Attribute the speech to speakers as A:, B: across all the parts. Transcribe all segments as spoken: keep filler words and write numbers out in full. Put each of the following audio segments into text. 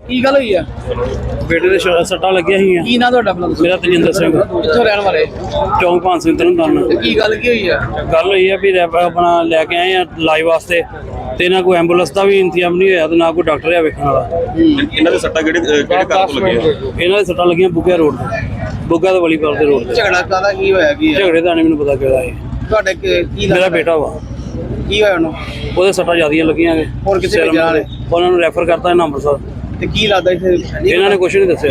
A: ਕੀ ਗੱਲ ਹੋਈ ਆ?
B: ਬੇਟੇ ਦੇ ਸ਼- ਸੱਟਾਂ ਲੱਗੀਆਂ ਸੀ।
A: ਕੀ ਨਾਂ ਤੁਹਾਡਾ ਆਪਣਾ?
B: ਮੇਰਾ ਤਜਿੰਦਰ ਸਿੰਘ,
A: ਕਿੱਥੋਂ ਰਹਿਣ ਵਾਲੇ?
B: ਚੌਂਕ ਭਾਨ ਸਿੰਘ ਤਰਨਤਾਰਨ।
A: ਤੇ ਕੀ ਗੱਲ ਕੀ ਹੋਈ ਆ?
B: ਗੱਲ ਹੋਈ ਆ ਵੀ ਰੈਪ ਆਪਣਾ ਲੈ ਕੇ ਆਏ ਆ ਇਲਾਜ ਵਾਸਤੇ, ਤੇ ਨਾ ਕੋਈ ਐਂਬੂਲੈਂਸ ਦਾ ਵੀ ਇੰਤਜ਼ਾਮ ਨਹੀਂ ਹੋਇਆ ਤੇ ਨਾ ਕੋਈ ਡਾਕਟਰ ਆ ਵੇਖਣ ਵਾਲਾ।
C: ਇਹਨਾਂ ਦੇ ਸੱਟਾਂ ਕਿਹੜੇ ਕਿਹੜੇ ਕਾਰਨ ਤੋਂ ਲੱਗੀਆਂ?
B: ਇਹਨਾਂ ਦੇ ਸੱਟਾਂ ਲੱਗੀਆਂ ਬੁੱਗਾ ਰੋਡ ਤੇ, ਬੁੱਗਾ ਤੇ ਵਲੀਪਾਲ ਦੇ ਰੋਡ ਤੇ।
A: ਝਗੜਾ ਕਾਹਦਾ ਕੀ ਹੋਇਆ ਕੀ ਆ?
B: ਝਗੜੇ ਦਾ ਨਹੀਂ ਮੈਨੂੰ ਪਤਾ ਕਿਹੜਾ ਹੈ।
A: ਤੁਹਾਡੇ ਕੀ ਕੀ
B: ਮੇਰਾ
A: ਲੱਗਦਾ?
B: ਬੇਟਾ ਵਾ,
A: ਕੀ ਹੋਇਆ ਉਹਨੂੰ?
B: ਉਹਦੇ ਸੱਟਾਂ ਜ਼ਿਆਦੀਆਂ ਲੱਗੀਆਂ ਨੇ।
A: ਹੋਰ ਕਿੱਥੇ
B: ਸਿਰ
A: ਭੇਜਿਆ ਨੇ?
B: ਉਹਨਾਂ ਨੂੰ ਰੈਫਰ ਕਰਤਾ ਇਹਨਾਂ ਅੰਮ੍ਰਿਤਸਰ।
A: ਤੇ ਕੀ ਲੱਗਦਾ ਇੱਥੇ?
B: ਇਹਨਾਂ ਨੇ ਕੁਝ ਨਹੀਂ ਦੱਸਿਆ।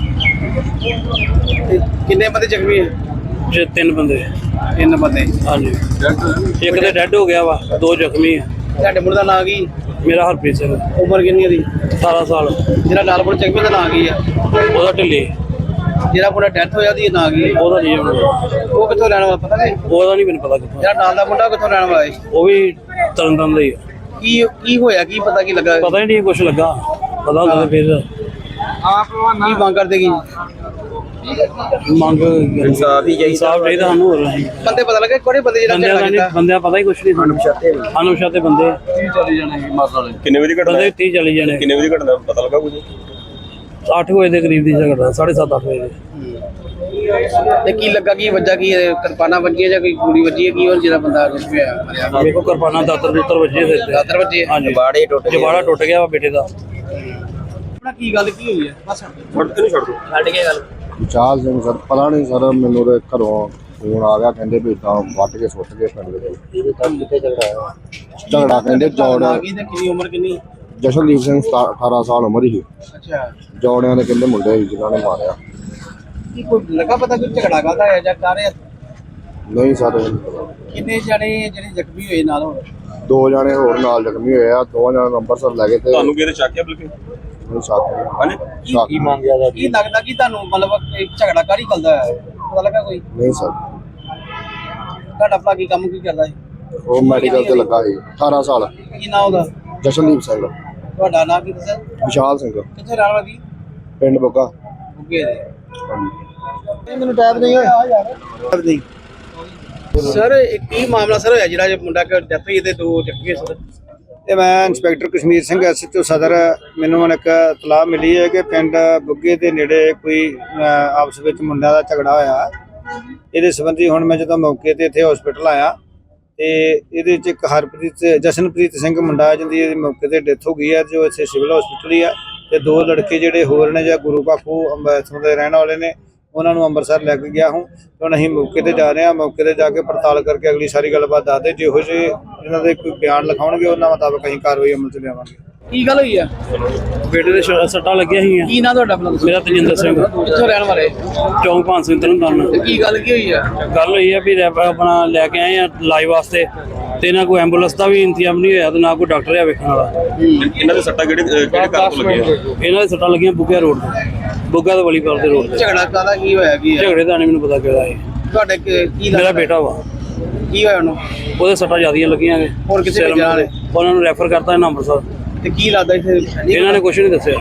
A: ਤੇ ਕਿੰਨੇ ਬੰਦੇ ਜ਼ਖਮੀ ਆ?
B: ਜੇ ਤਿੰਨ ਬੰਦੇ।
A: ਤਿੰਨ ਬੰਦੇ।
B: ਹਾਂਜੀ, ਇੱਕ ਤੇ ਡੈੱਡ ਹੋ ਗਿਆ ਵਾ, ਦੋ ਜ਼ਖਮੀ ਆ।
A: ਤੁਹਾਡੇ ਮੁੰਡੇ ਦਾ ਨਾਂ ਕੀ?
B: ਮੇਰਾ ਹਰਪ੍ਰੀਤ ਸਿੰਘ,
A: ਉਮਰ ਕਿੰਨੀ ਉਹਦੀ?
B: ਅਠਾਰਾਂ ਸਾਲ।
A: ਜਿਹੜਾ ਲਾਲਪੁਰ ਜ਼ਖਮੀ ਦਾ ਨਾਂ ਕੀ ਆ?
B: ਉਹਦਾ ਢਿੱਲੇ।
A: ਜਿਹੜਾ ਮੁੰਡਾ ਡੈਥ ਹੋਇਆ ਉਹਦੀ ਨਾਂ ਕੀ ਆ?
B: ਉਹਦਾ ਨਹੀਂ ਮੈਨੂੰ
A: ਉਹ ਕਿੱਥੋਂ ਰਹਿਣ ਵਾਲਾ ਪਤਾ ਨਹੀਂ?
B: ਉਹਦਾ ਨਹੀਂ ਮੈਨੂੰ ਪਤਾ ਕਿੱਥੋਂ।
A: ਜਿਹੜਾ ਨਾਲ ਦਾ ਮੁੰਡਾ ਉਹ ਕਿੱਥੋਂ ਰਹਿਣ ਵਾਲਾ ਹੈ?
B: ਉਹ ਵੀ ਤਰਨਤਾਰਨ ਦਾ ਹੀ ਆ।
A: ਕੀ ਕੀ ਹੋਇਆ ਕੀ ਪਤਾ ਕੀ ਲੱਗਾ?
B: ਪਤਾ ਹੀ ਨਹੀਂ ਕੁਝ ਲੱਗਾ, ਪਤਾ ਹੁੰਦਾ ਤਾਂ ਫਿਰ
A: ਕੀ ਮੰਗ ਕਰਦੇ ਕੀ?
B: ਮੰਗ
C: ਇਨਸਾਫ ਹੀ ਚਾਹੀਦਾ।
B: ਇਨਸਾਫ ਚਾਹੀਦਾ ਸਾਨੂੰ। ਹੋਰ ਨਹੀਂ
A: ਬੰਦੇ ਪਤਾ ਲੱਗਾ ਕਿਹੜੇ ਬੰਦੇ ਜਿਹੜਾ
B: ਬੰਦਿਆਂ
A: ਝਗੜਾ
B: ਦਾ ਨਹੀਂ,
A: ਕੀਤਾ?
B: ਬੰਦਿਆਂ ਪਤਾ ਹੀ ਕੁਝ ਨਹੀਂ ਸਾਨੂੰ। ਅਨੁਸ਼ਾਤੇ ਬੰਦੇ
C: ਕਿੰਨੇ ਵਜੇ ਘਟਨਾ
B: ਬੰਦੇ ਤੀਹ ਚਾਲੀ ਜਣੇ।
C: ਕਿੰਨੇ ਵਜੇ ਘਟਨਾ ਪਤਾ ਲੱਗਾ ਕੁਝ?
B: ਅੱਠ ਵਜੇ ਦੇ ਕਰੀਬ ਦੀ ਝਗੜਾ, ਸਾਢੇ ਸੱਤ ਅੱਠ ਵਜੇ ਦੇ।
A: ਤੇ ਕੀ ਲੱਗਾ ਕੀ ਵੱਜਾ ਕੀ ਇਹ? ਕਿਰਪਾਨਾਂ ਵੱਜੀਆਂ ਜਾਂ ਕੋਈ ਗੋਲੀ ਵੱਜੀ ਹੈ ਕੀ? ਹੋਰ ਜਿਹੜਾ ਬੰਦਾ ਜ਼ਖਮੀ ਹੋਇਆ ਮਰਿਆ?
B: ਮੇਰੇ ਕੋਲ ਕਿਰਪਾਨਾਂ ਦਾਤਰ ਦੂਤਰ ਵੱਜੇ ਸਿਰ ਤੇ।
A: ਦਾਤਰ ਵੱਜੇ?
B: ਹਾਂਜੀ,
A: ਜਬਾੜੇ ਟੁੱਟ ਗਏ।
B: ਜਬਾੜਾ ਟੁੱਟ ਗਿਆ ਵਾ ਬੇਟੇ ਦਾ।
A: ਆਪਣਾ ਕੀ ਗੱਲ ਕੀ ਹੋਈ ਹੈ? ਬਸ
C: ਛੱਡ ਇਹਨੂੰ ਛੱਡ ਦੋ।
A: ਛੱਡ ਕੇ ਗੱਲ।
D: ਵਿਚਾਰ ਸਿੰਘ ਸਰ, ਪਤਾ ਨਹੀਂ ਸਰ, ਮੈਨੂੰ ਤੇ ਘਰੋਂ ਫੋਨ ਆ ਗਿਆ, ਕਹਿੰਦੇ ਵੀ ਤਾਂ ਵੱਟ ਕੇ ਸੁੱਟ ਕੇ ਪਿੰਡ ਦੇ ਵਿੱਚ।
A: ਇਹਦੇ ਤਾਂ ਕਿੱਥੇ ਝਗੜਾ ਹੋਇਆ?
D: ਝਗੜਾ ਕਹਿੰਦੇ ਜੋੜ,
A: ਨਾਂ ਕੀ ਤੇ ਕਿੰਨੀ ਉਮਰ ਕਿੰਨੀ?
D: ਜਸ਼ਨਦੀਪ ਸਿੰਘ ਸਤਾ- ਅਠਾਰਾਂ ਸਾਲ ਉਮਰ ਸੀ।
A: ਅੱਛਾ,
D: ਜੋੜਿਆਂ ਦੇ ਕਹਿੰਦੇ ਮੁੰਡੇ ਸੀ ਜਿਨ੍ਹਾਂ ਨੇ ਮਾਰਿਆ।
A: ਕੀ ਕੋਈ ਲੱਗਾ ਪਤਾ ਕੋਈ ਝਗੜਾ ਕਾਹਦਾ ਹੈ ਜਾਂ ਕਰ ਰਿਹਾ?
D: ਨਹੀਂ ਸਰ, ਇਹ ਨਹੀਂ ਪਤਾ।
A: ਕਿੰਨੇ ਜਣੇ ਜਿਹੜੇ ਜ਼ਖਮੀ ਹੋਏ ਨਾਲ ਹੋਰ?
D: ਦੋ ਜਾਣੇ ਹੋਰ ਨਾਲ ਜ਼ਖਮੀ ਹੋਏ ਆ, ਦੋ ਜਣੇ ਨੂੰ ਅੰਮ੍ਰਿਤਸਰ ਲੈ ਗਏ ਤੇ
C: ਤੁਹਾਨੂੰ ਕਿਹਦੇ ਚੱਕਿਆ ਬਲਕਿ?
D: ਨਹੀਂ ਸਾਥ
C: ਹਾਂਜੀ
D: ਸਾਥ
A: ਕੀ ਲੱਗਦਾ ਕੀ ਤੁਹਾਨੂੰ ਮਤਲਬ ਇਹ ਝਗੜਾ ਕਾਹਦੀ ਕਰਦਾ ਹੈ? ਪਤਾ ਲੱਗਾ ਕੋਈ?
D: ਨਹੀਂ ਸਰ,
A: ਤੁਹਾਡਾ ਆਪਣਾ ਕੀ ਕੰਮ ਕੀ ਕਰਦਾ ਹੈ?
D: ਉਹ ਮੈਡੀਕਲ ਤੇ ਲੱਗਾ ਸੀ। ਅਠਾਰਾਂ ਸਾਲ।
A: ਕੀ ਨਾਂ ਉਹਦਾ?
D: ਜਸ਼ਨਦੀਪ ਸਿੰਘ।
A: ਤੁਹਾਡਾ ਨਾਂ ਕੀ ਦੱਸਿਆ?
D: ਵਿਸ਼ਾਲ ਸਿੰਘ,
A: ਕਿੱਥੇ ਰਹਿਣ ਵਾਲਾ ਕੀ?
D: ਪਿੰਡ ਬੁੱਗਾ।
A: ਉੱਗੇ ਦੇ। ਮੈਨੂੰ ਟਾਈਮ ਨਹੀਂ ਹੋਇਆ ਯਾਰ। ਨਹੀਂ ਸਰ, ਇਹ ਕੀ ਮਾਮਲਾ ਸਰ ਹੋਇਆ ਜਿਹੜਾ ਮੁੰਡਾ ਕਿ ਡੈਥ ਹੋਈ ਤੇ ਦੋ ਜ਼ਖਮੀ ਸਰ?
E: ਤੇ ਮੈਂ ਇੰਸਪੈਕਟਰ ਕਸ਼ਮੀਰ ਸਿੰਘ ਐਸਐਚਓ ਸਦਰ, ਮੈਨੂੰ ਹੁਣ ਇੱਕ ਇਤਲਾਹ ਮਿਲੀ ਹੈ ਕਿ ਪਿੰਡ ਬੁੱਗੇ ਦੇ ਨੇੜੇ ਕੋਈ ਅਹ, ਆਪਸ ਵਿੱਚ ਮੁੰਡਿਆਂ ਦਾ ਝਗੜਾ ਹੋਇਆ। ਇਹਦੇ ਸੰਬੰਧੀ ਹੁਣ ਮੈਂ ਜਦੋਂ ਮੌਕੇ ਤੇ ਇੱਥੇ ਹਸਪੀਟਲ ਆਇਆ ਤੇ ਇਹਦੇ ਵਿੱਚ ਇੱਕ ਹਰਪ੍ਰੀਤ ਜਸ਼ਨਪ੍ਰੀਤ ਸਿੰਘ ਮੁੰਡਾ ਜਿਹਦੀ ਇਹਦੀ ਮੌਕੇ ਤੇ ਡੈਥ ਹੋ ਗਈ ਹੈ, ਜੋ ਇੱਥੇ ਸਿਵਲ ਹਸਪੀਟਲ ਹੀ ਆ। ਤੇ ਦੋ ਲੜਕੇ ਜਿਹੜੇ ਹੋਰ ਨੇ ਜਾਂ ਗੁਰੂ ਬਾਖੂ ਇੱਥੋਂ ਦੇ ਰਹਿਣ ਵਾਲੇ ਨੇ, ਉਹਨਾਂ ਨੂੰ ਅੰਮ੍ਰਿਤਸਰ ਲੈ ਕੇ ਗਿਆ ਹੂੰ। ਹੁਣ ਅਸੀਂ ਮੌਕੇ ਤੇ ਜਾ ਰਹੇ ਹਾਂ, ਮੌਕੇ ਤੇ ਜਾ ਕੇ ਪੜਤਾਲ ਕਰਕੇ ਅਗਲੀ ਸਾਰੀ ਗੱਲਬਾਤ ਦੱਸਦੇ। ਜਿਹੋ ਜਿਹੇ ਇਹਨਾਂ ਦੇ ਕੋਈ ਬਿਆਨ ਲਿਖਾਉਣਗੇ ਉਹਨਾਂ ਮੁਤਾਬਕ ਅਸੀਂ ਕਾਰਵਾਈ ਅਮਲ ਚ ਲਿਆਵਾਂਗੇ।
A: ਕੀ ਗੱਲ ਹੋਈ ਆ?
B: ਬੇਟੇ ਦੇ ਸ਼- ਸੱਟਾਂ ਲੱਗੀਆਂ ਸੀ।
A: ਕੀ ਨਾਂ ਤੁਹਾਡਾ ਆਪਣਾ?
B: ਮੇਰਾ ਤਜਿੰਦਰ ਸਿੰਘ,
A: ਕਿੱਥੋਂ ਰਹਿਣ ਵਾਲੇ?
B: ਚੌਂਕ ਭਾਨ ਸਿੰਘ ਤਰਨਤਾਰਨ।
A: ਤੇ ਕੀ ਗੱਲ ਕੀ ਹੋਈ ਆ?
B: ਗੱਲ ਹੋਈ ਆ ਵੀ ਰੈਪ ਆਪਣਾ ਲੈ ਕੇ ਆਏ ਆ ਇਲਾਜ ਵਾਸਤੇ, ਤੇ ਨਾ ਕੋਈ ਐਂਬੂਲੈਂਸ ਦਾ ਵੀ ਇੰਤਜ਼ਾਮ ਨਹੀਂ ਹੋਇਆ ਤੇ ਨਾ ਕੋਈ ਡਾਕਟਰ ਆ ਵੇਖਣ ਵਾਲਾ।
C: ਇਹਨਾਂ ਦੇ ਸੱਟਾਂ ਕਿਹੜੇ ਕਿਹੜੇ ਕਾਰਨ ਤੋਂ ਲੱਗੀਆਂ?
B: ਇਹਨਾਂ ਦੇ ਸੱਟਾਂ ਲੱਗੀਆਂ ਬੁੱਗਾ ਰੋਡ ਤੇ, ਬੁੱਗਾ ਤੇ ਵਲੀਪਾਲ ਦੇ ਰੋਡ ਤੇ।
A: ਝਗੜਾ ਕਾਹਦਾ ਕੀ ਹੋਇਆ ਕੀ ਆ?
B: ਝਗੜੇ ਦਾ ਨਹੀਂ ਮੈਨੂੰ ਪਤਾ ਕਿਹੜਾ ਹੈ।
A: ਤੁਹਾਡੇ ਕੀ ਕੀ
B: ਮੇਰਾ
A: ਲੱਗਦਾ?
B: ਬੇਟਾ ਵਾ,
A: ਕੀ ਹੋਇਆ ਉਹਨੂੰ?
B: ਉਹਦੇ ਸੱਟਾਂ ਜ਼ਿਆਦੀਆਂ ਲੱਗੀਆਂ ਨੇ।
A: ਹੋਰ ਕਿੱਥੇ
B: ਸਿਰ
A: ਭੇਜਿਆ ਨੇ?
B: ਉਹਨਾਂ ਨੂੰ ਰੈਫਰ ਕਰਤਾ ਇਹਨਾਂ ਅੰਮ੍ਰਿਤਸਰ।
A: ਤੇ ਕੀ ਲੱਗਦਾ ਇੱਥੇ?
B: ਇਹਨਾਂ ਨੇ ਕੁਝ ਨਹੀਂ ਦੱਸਿਆ।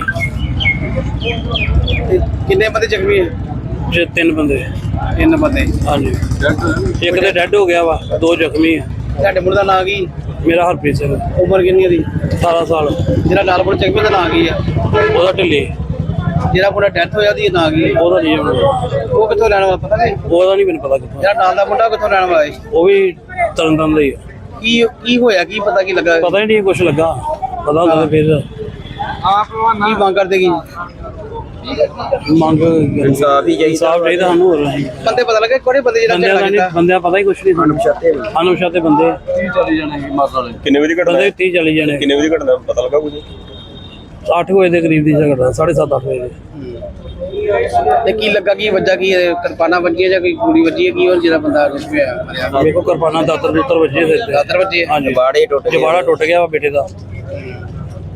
A: ਤੇ ਕਿੰਨੇ ਬੰਦੇ ਜ਼ਖਮੀ ਆ?
B: ਜੇ ਤਿੰਨ ਬੰਦੇ।
A: ਤਿੰਨ ਬੰਦੇ।
B: ਹਾਂਜੀ, ਇੱਕ ਤੇ ਡੈੱਡ ਹੋ ਗਿਆ ਵਾ, ਦੋ ਜ਼ਖਮੀ ਆ।
A: ਤੁਹਾਡੇ ਮੁੰਡੇ ਦਾ ਨਾਂ ਕੀ?
B: ਮੇਰਾ ਹਰਪ੍ਰੀਤ ਸਿੰਘ,
A: ਉਮਰ ਕਿੰਨੀ ਉਹਦੀ?
B: ਅਠਾਰਾਂ ਸਾਲ।
A: ਜਿਹੜਾ ਲਾਲਪੁਰ ਜ਼ਖਮੀ ਦਾ ਨਾਂ ਕੀ ਆ?
B: ਉਹਦਾ ਢਿੱਲੇ।
A: ਜਿਹੜਾ ਮੁੰਡਾ ਡੈਥ ਹੋਇਆ ਉਹਦੀ ਨਾਂ ਕੀ ਆ?
B: ਉਹਦਾ ਨਹੀਂ ਮੈਨੂੰ
A: ਉਹ ਕਿੱਥੋਂ ਰਹਿਣ ਵਾਲਾ ਪਤਾ ਨਹੀਂ?
B: ਉਹਦਾ ਨਹੀਂ ਮੈਨੂੰ ਪਤਾ ਕਿੱਥੋਂ।
A: ਜਿਹੜਾ ਨਾਲ ਦਾ ਮੁੰਡਾ ਉਹ ਕਿੱਥੋਂ ਰਹਿਣ ਵਾਲਾ ਹੈ?
B: ਉਹ ਵੀ ਤਰਨਤਾਰਨ ਦਾ ਹੀ ਆ।
A: ਕੀ ਕੀ ਹੋਇਆ ਕੀ ਪਤਾ ਕੀ ਲੱਗਾ?
B: ਪਤਾ ਹੀ ਨਹੀਂ ਕੁਝ ਲੱਗਾ, ਪਤਾ ਹੁੰਦਾ ਤਾਂ ਫਿਰ
A: ਕੀ ਮੰਗ ਕਰਦੇ ਕੀ?
B: ਮੰਗ
C: ਇਨਸਾਫ ਹੀ ਚਾਹੀਦਾ।
B: ਇਨਸਾਫ ਚਾਹੀਦਾ ਸਾਨੂੰ। ਹੋਰ ਨਹੀਂ
A: ਬੰਦੇ ਪਤਾ ਲੱਗਾ ਕਿਹੜੇ ਬੰਦੇ ਜਿਹੜਾ
B: ਬੰਦਿਆਂ
A: ਝਗੜਾ
B: ਦਾ ਨਹੀਂ,
A: ਕੀਤਾ?
B: ਬੰਦਿਆਂ ਪਤਾ ਹੀ ਕੁਝ ਨਹੀਂ ਸਾਨੂੰ। ਅਨੁਸ਼ਾਤੇ ਬੰਦੇ
C: ਕਿੰਨੇ ਵਜੇ ਘਟਨਾ
B: ਬੰਦੇ ਤੀਹ ਚਾਲੀ ਜਣੇ।
C: ਕਿੰਨੇ ਵਜੇ ਘਟਨਾ ਪਤਾ ਲੱਗਾ ਕੁਝ?
B: ਅੱਠ ਵਜੇ ਦੇ ਕਰੀਬ ਦੀ ਝਗੜਾ, ਸਾਢੇ ਸੱਤ ਅੱਠ ਵਜੇ ਦੇ।
A: ਤੇ ਕੀ ਲੱਗਾ ਕੀ ਵੱਜਾ ਕੀ ਇਹ? ਕਿਰਪਾਨਾਂ ਵੱਜੀਆਂ ਜਾਂ ਕੋਈ ਗੋਲੀ ਵੱਜੀ ਹੈ ਕੀ? ਹੋਰ ਜਿਹੜਾ ਬੰਦਾ ਜ਼ਖਮੀ ਹੋਇਆ ਮਰਿਆ?
B: ਮੇਰੇ ਕੋਲ ਕਿਰਪਾਨਾਂ ਦਾਤਰ ਦੂਤਰ ਵੱਜੇ ਸਿਰ ਤੇ।
A: ਦਾਤਰ ਵੱਜੇ?
B: ਹਾਂਜੀ,
A: ਜਬਾੜੇ ਟੁੱਟ ਗਏ।
B: ਜਬਾੜਾ ਟੁੱਟ ਗਿਆ ਵਾ ਬੇਟੇ ਦਾ।